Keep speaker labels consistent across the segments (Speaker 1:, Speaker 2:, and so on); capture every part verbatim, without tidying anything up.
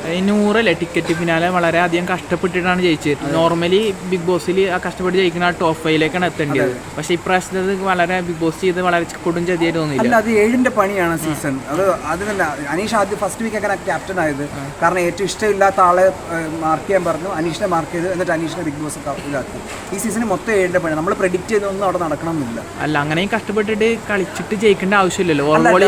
Speaker 1: ഈ നൂറല്ലേ ticket finale വളരെയധികം കഷ്ടപ്പെട്ടിട്ടാണ് ജയിച്ചത്. നോർമലി ബിഗ് ബോസിൽ ആ കഷ്ടപ്പെട്ട് ജയിക്കുന്ന ആ ടോപ്പ് ഫൈവിലേക്കാണ് എത്തേണ്ടത്. പക്ഷേ ഇപ്രാവശ്യത്തത് വളരെ ബിഗ് ബോസ് ചെയ്ത് വളരെ കൊടും ചതിയായിട്ട് തോന്നിയില്ല.
Speaker 2: അത് ഏഴിന്റെ പണിയാണ് സീസൺ. അത് അത് തന്നെ അനീഷ് ആദ്യം ഫസ്റ്റ് വീക്ക് ഒക്കെ ക്യാപ്റ്റൻ ആയത് കാരണം ഏറ്റവും ഇഷ്ടമില്ലാത്ത ആളെ മാർക്ക് ചെയ്യാൻ പറഞ്ഞു, അനീഷിനെ മാർക്ക് ചെയ്ത് എന്നിട്ട് അനീഷിനെ ബിഗ് ബോസ് ഇതാക്കി. ഈ സീസണിൽ മൊത്തം ഏഴിന്റെ പണി. നമ്മൾ പ്രെഡിക്റ്റ് ചെയ്തൊന്നും അവിടെ നടക്കണമെന്നില്ല.
Speaker 1: അല്ല, അങ്ങനെയും കഷ്ടപ്പെട്ടിട്ട് കളിച്ചിട്ട് ജയിക്കേണ്ട ആവശ്യമില്ലല്ലോ.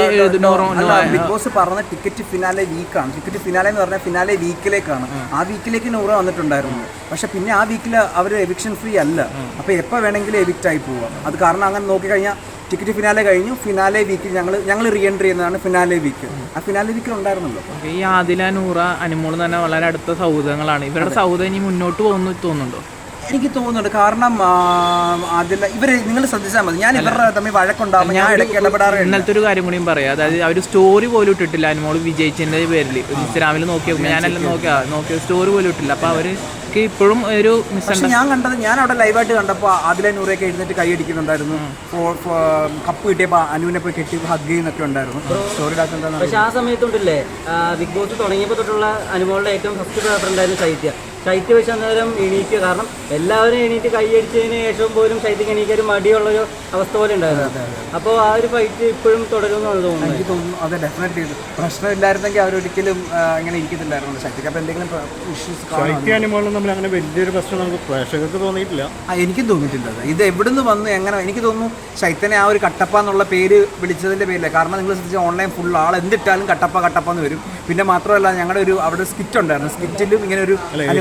Speaker 2: ബിഗ് ബോസ് പറഞ്ഞ ടിക്കറ്റ് ഫിനാലെ വീക്കാണ്. ടിക്കറ്റ് ഫിനാലെ എന്ന് പറഞ്ഞാൽ ഫിനാലെ വീക്കിലേക്കാണ്. ആ വീക്കിലേക്ക് നൂറ് വന്നിട്ടുണ്ടായിരുന്നു. പക്ഷെ പിന്നെ ആ വീക്കിൽ അവർ എവിക്ഷൻ ഫ്രീ അല്ല. അപ്പോൾ എപ്പോൾ വേണമെങ്കിലും എവിക്റ്റ് ആയി പോവാം. അത് കാരണം അങ്ങനെ നോക്കിക്കഴിഞ്ഞാൽ ടിക്കറ്റ് ഫിനാലെ കഴിഞ്ഞു. ഫിനാലെ വീക്കിൽ ഞങ്ങൾ ഞങ്ങൾ റീ എൻട്രി ചെയ്യുന്നതാണ് ഫിനാലെ വീക്ക്. ആ ഫിനാലെ വീക്കിൽ ഉണ്ടായിരുന്നല്ലോ.
Speaker 1: ഈ ആദില, നൂറ, അനുമോൾ തന്നെ വളരെ അടുത്ത സൗഹൃദങ്ങളാണ്. ഇവരുടെ സൗഹൃദം ഇനി മുന്നോട്ട് പോകുന്നു തോന്നുന്നുണ്ടോ?
Speaker 2: എനിക്ക് തോന്നുന്നുണ്ട്. കാരണം അതിൽ ഇവർ നിങ്ങൾ ശ്രദ്ധിച്ചാൽ മതി. ഞാൻ ഇവരുടെ തമ്മിൽ വഴക്കുണ്ടാകുമ്പോൾ ഞാൻ ഇടയ്ക്ക് ഇടപെടാറുണ്ട്.
Speaker 1: ഇന്നലത്തെ ഒരു കാര്യം കൂടിയും പറയാം. അതായത് അവർ സ്റ്റോറി പോലും ഇട്ടിട്ടില്ല. അനുമോൾ വിജയിച്ചതിൻ്റെ പേരിൽ ഇൻസ്റ്റാഗ്രാമിൽ നോക്കിയാൽ ഞാനെല്ലാം നോക്കിയാ നോക്കിയ സ്റ്റോറി പോലും ഇട്ടില്ല. അപ്പോൾ അവർക്ക് ഇപ്പോഴും ഒരു
Speaker 2: മിസ്. ഞാൻ കണ്ടത് ഞാൻ അവിടെ ലൈവായിട്ട് കണ്ടപ്പോൾ അതിലെ നൂറൊക്കെ എഴുന്നേറ്റ് കൈ അടിക്കുന്നുണ്ടായിരുന്നു. കപ്പ് കിട്ടിയപ്പോൾ അനുവിനെ പോയി കെട്ടി ഹഗ് ചെയ്യുന്നൊക്കെ ഉണ്ടായിരുന്നു. സ്റ്റോറി ഇടാത്ത.
Speaker 3: പക്ഷെ ആ സമയത്തുണ്ടല്ലേ ബിഗ് ബോസ് തുടങ്ങിയപ്പോൾ തൊട്ടുള്ള അനുമോളുടെ ഏറ്റവും ഫസ്റ്റ് പേപ്പർ ഉണ്ടായിരുന്നു ശൈത്യ. ശൈത്യ വെച്ച് അന്നേരം എണീക്കുക. കാരണം എല്ലാവരും എണീറ്റ് കൈയടിച്ചതിന് ശേഷം പോലും ശൈത്യക്ക് എണീക്കാൻ ഒരു മടിയുള്ളൊരു അവസ്ഥ പോലെ ഉണ്ടായിരുന്നു. അപ്പോൾ ആ ഒരു ഫൈറ്റ് ഇപ്പോഴും തുടരുമെന്നാണ് തോന്നുന്നത്.
Speaker 2: എനിക്ക് തോന്നുന്നു അതെ, ഡെഫിനറ്റ്ലി പ്രശ്നമില്ലായിരുന്നെങ്കിൽ അവരൊരിക്കലും ഇങ്ങനെ ഇരിക്കത്തില്ലായിരുന്നു ശൈത്യക്ക്. അപ്പോൾ എന്തെങ്കിലും ഇഷ്യൂസ്
Speaker 4: തമ്മിൽ അങ്ങനെ വലിയൊരു പ്രശ്നം നമുക്ക് പ്രേക്ഷകർക്ക് തോന്നിയിട്ടില്ല.
Speaker 2: ആ എനിക്കും തോന്നിയിട്ടില്ല. ഇത് എവിടുന്ന് വന്നു എങ്ങനെ എനിക്ക് തോന്നുന്നു ശൈത്യനെ ആ ഒരു കട്ടപ്പ എന്നുള്ള പേര് വിളിച്ചതിൻ്റെ പേരില്ല. കാരണം നിങ്ങൾ ശ്രദ്ധിച്ച ഓൺലൈൻ ഫുൾ ആൾ എന്തിട്ടാലും കട്ടപ്പ കട്ടപ്പ എന്ന് വരും. പിന്നെ മാത്രമല്ല ഞങ്ങളുടെ ഒരു അവിടെ സ്കിറ്റ് ഉണ്ടായിരുന്നു. സ്കിറ്റിലും ഇങ്ങനെ ഒരു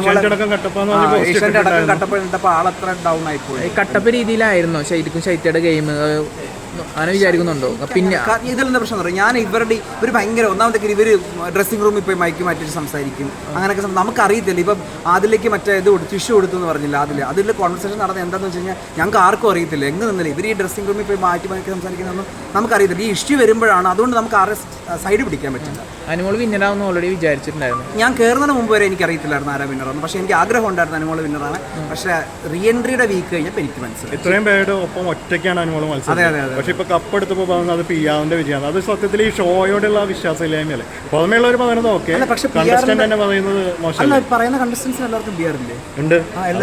Speaker 2: ഏഷ്യൻ്റെ അടക്കം കട്ടപ്പ ഇട്ടപ്പോൾ ആളത്ര ഡൗൺ ആയിപ്പോയി.
Speaker 1: കട്ടപ്പ രീതിയിലായിരുന്നോ ശൈത്യക്കും ശൈത്യയുടെ ഗെയിം അങ്ങനെ വിചാരിക്കുന്നുണ്ടോ? പിന്നെ
Speaker 2: ഇതിലെന്താ പ്രശ്നം എന്ന് പറയും, ഞാൻ ഇവരുടെ ഇവർ ഭയങ്കര ഒന്നാമത്തെ ഇവർ ഡ്രസ്സിംഗ് റൂമിൽ പോയി മൈക്ക് മാറ്റിയിട്ട് സംസാരിക്കും. അങ്ങനെയൊക്കെ നമുക്കറിയത്തില്ല. ഇപ്പം അതിലേക്ക് മറ്റേ ഇത് കൊടുത്തു ടിഷ്യൂ കൊടുത്തു എന്ന് പറഞ്ഞില്ല. അതിൽ അതിൽ കോൺവെർസേഷൻ നടന്നത് എന്താണെന്ന് വെച്ച് കഴിഞ്ഞാൽ ഞങ്ങൾക്ക് ആർക്കും അറിയത്തില്ല. എങ്ങനെ നിന്നില്ല ഇവർ ഈ ഡ്രസ്സിംഗ് റൂമിൽ പോയി മാറ്റി മാറ്റി സംസാരിക്കുന്നതൊന്നും നമുക്കറിയത്തില്ല. ഈ ഇഷ്യൂ വരുമ്പോഴാണ്. അതുകൊണ്ട് നമുക്ക് ആരെ സൈഡ് പിടിക്കാൻ പറ്റില്ല.
Speaker 1: അനുമോൾ വിന്നറാണെന്ന് ഓൾറെഡി വിചാരിച്ചിട്ടുണ്ടായിരുന്നു.
Speaker 2: ഞാൻ കയറുന്നതിന് മുമ്പ് വരെ എനിക്ക് അറിയത്തില്ലായിരുന്നു ആരാ വിന്നറാണ്. പക്ഷേ എനിക്ക് ആഗ്രഹം ഉണ്ടായിരുന്നു അനുമോൾ വിന്നറാണ്. പക്ഷേ റീ എൻട്രിയുടെ വീക്ക് കഴിഞ്ഞപ്പോൾ എനിക്ക് മനസ്സിലായി
Speaker 4: ഇത്രയും പേരുടെ ഒപ്പം ഒറ്റയ്ക്കാണ് അനുമോൾ മത്സരം.
Speaker 2: അതെ അതെ അതെ.
Speaker 4: പക്ഷെ ഇപ്പൊ കപ്പെടുത്തപ്പോൾ പറയുന്നത് അത് പിയാവിന്റെ വിജയമാണ്. അത് സത്യത്തിൽ ഈ ഷോയോടുള്ള വിശ്വാസമില്ലായ്മയല്ലേ. പുറമെയുള്ളവർ പറയുന്നത് ഓക്കെ, കണ്ടസ്റ്റന്റ് തന്നെ പറയുന്നത് മോശമല്ല.
Speaker 2: പറയുന്ന കണ്ടസ്റ്റൻസിന് എല്ലാവർക്കും ബിയർ ഇല്ലേ?
Speaker 4: ഉണ്ട്.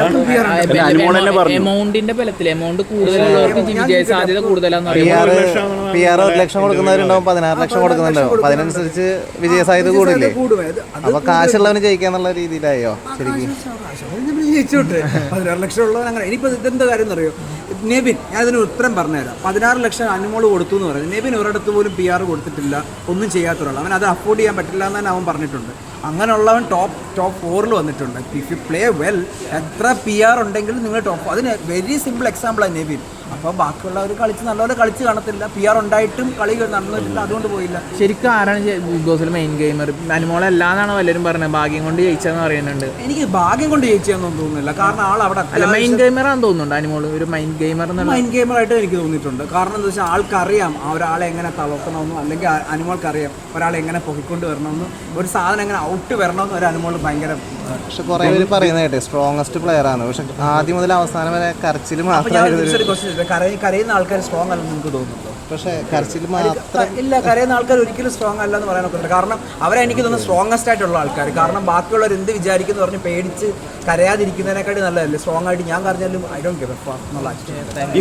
Speaker 1: എമൗണ്ടിന്റെ ബലത്തിൽ എമൗണ്ട് കൂടുതലുള്ളവർക്ക് വിജയ സാധ്യത കൂടുതലാന്ന്
Speaker 5: പി ആർ ഒരു ലക്ഷം കൊടുക്കുന്നവരുണ്ടാവും, പതിനാറ് ലക്ഷം കൊടുക്കുന്നുണ്ടാവും. അതിനനുസരിച്ച് വിജയ സാധ്യത കൂടില്ലേ? അപ്പൊ കാശുള്ളവന് ജയിക്കാന്നുള്ള രീതിയിലായോ ശരിക്കും?
Speaker 2: ജയിച്ചോട്ടെ. പതിനാറ് ലക്ഷം ഉള്ളവൻ അങ്ങനെ. ഇനിയിപ്പോൾ ഇതെന്താ കാര്യം എന്നറിയോ? നെബിൻ, ഞാൻ ഇതിന് ഉത്തരം പറഞ്ഞുതരാം. പതിനാറ് ലക്ഷം അനുമോൾ കൊടുത്തു എന്ന് പറയുന്നത് നെബിൻ ഒരിടത്ത് പോലും പി ആർ കൊടുത്തിട്ടില്ല, ഒന്നും ചെയ്യാത്ത ഒരാൾ. അവൻ അത് അഫോർഡ് ചെയ്യാൻ പറ്റില്ല എന്ന് തന്നെ അവൻ പറഞ്ഞിട്ടുണ്ട്. അങ്ങനെയുള്ളവൻ ടോപ്പ് ടോപ്പ് ഫോറിൽ വന്നിട്ടുണ്ട്. ഇഫ് യു പ്ലേ വെൽ, എത്ര പി ആർ ഉണ്ടെങ്കിലും നിങ്ങൾ ടോപ്പ്. അതിന് വെരി സിമ്പിൾ എക്സാമ്പിളാണ് നെബിൻ. അപ്പോൾ ബാക്കിയുള്ളവർ കളിച്ച് നല്ലപോലെ കളിച്ച് കാണത്തില്ല. പി ആർ ഉണ്ടായിട്ടും കളി നടന്നിട്ടില്ല, അതുകൊണ്ട് പോയില്ല.
Speaker 1: ശരിക്കും ആരാണ് ബിഗ് ബോസിൽ മെയിൻ ഗെയിമർ? അനുമോളല്ലാന്നാണ് പലരും പറഞ്ഞത്. ഭാഗ്യം കൊണ്ട് ജയിച്ചതെന്ന് പറയുന്നുണ്ട്.
Speaker 2: എനിക്ക് ഭാഗ്യം കൊണ്ട് ജയിച്ചതെന്നൊന്നും തോന്നുന്നില്ല. കാരണം ആൾ അവിടെ
Speaker 1: അല്ല മെയിൻ ഗെയിമറാണെന്ന് തോന്നുന്നുണ്ട്. അനുമോൾ ഒരു മെയിൻ ഗെയിമർ
Speaker 2: മൈൻ ഗെയിമറായിട്ട് എനിക്ക് തോന്നിയിട്ടുണ്ട്. കാരണം എന്താ വെച്ചാൽ ആൾക്കറിയാം ആ ഒരാളെ എങ്ങനെ തളർത്തണമെന്നും അല്ലെങ്കിൽ അനുമോൾക്കറിയാം ഒരാളെ എങ്ങനെ പൊക്കിക്കൊണ്ട് വരണമെന്നും ഒരു സാധനം എങ്ങനെ ഔട്ട് വരണമെന്നും ഒരു അനുമോൾ ഭയങ്കര.
Speaker 5: പക്ഷെ കുറെ പേര് പറയുന്നത് കേട്ടെ സ്ട്രോങ്ങസ്റ്റ് പ്ലെയർ ആണ്. പക്ഷെ ആദ്യം മുതൽ അവസാനം വരെ കരച്ചിൽ മാത്രം.
Speaker 2: കരയുന്ന ആൾക്കാർ സ്ട്രോങ് അല്ലെന്ന് നിങ്ങൾക്ക് തോന്നുന്നുണ്ടോ?
Speaker 5: പക്ഷേ കരച്ചിൽ മാത്രം
Speaker 2: ഇല്ല, കരയുന്ന ആൾക്കാർ ഒരിക്കലും സ്ട്രോങ് അല്ലെന്ന് പറയാൻ നോക്കുന്നുണ്ട്. കാരണം അവരെ എനിക്ക് തോന്നുന്നു സ്ട്രോങ്ങസ്റ്റ് ആയിട്ടുള്ള ആൾക്കാർ. കാരണം ബാക്കിയുള്ളവർ എന്ത് വിചാരിക്കുന്നു പറഞ്ഞ് പേടിച്ച് കരയാതിരിക്കുന്നതിനെക്കാട്ടി നല്ലതല്ലേ സ്ട്രോങ് ആയിട്ട് ഞാൻ കരഞ്ഞാലും I don't give a fuck എന്നുള്ള.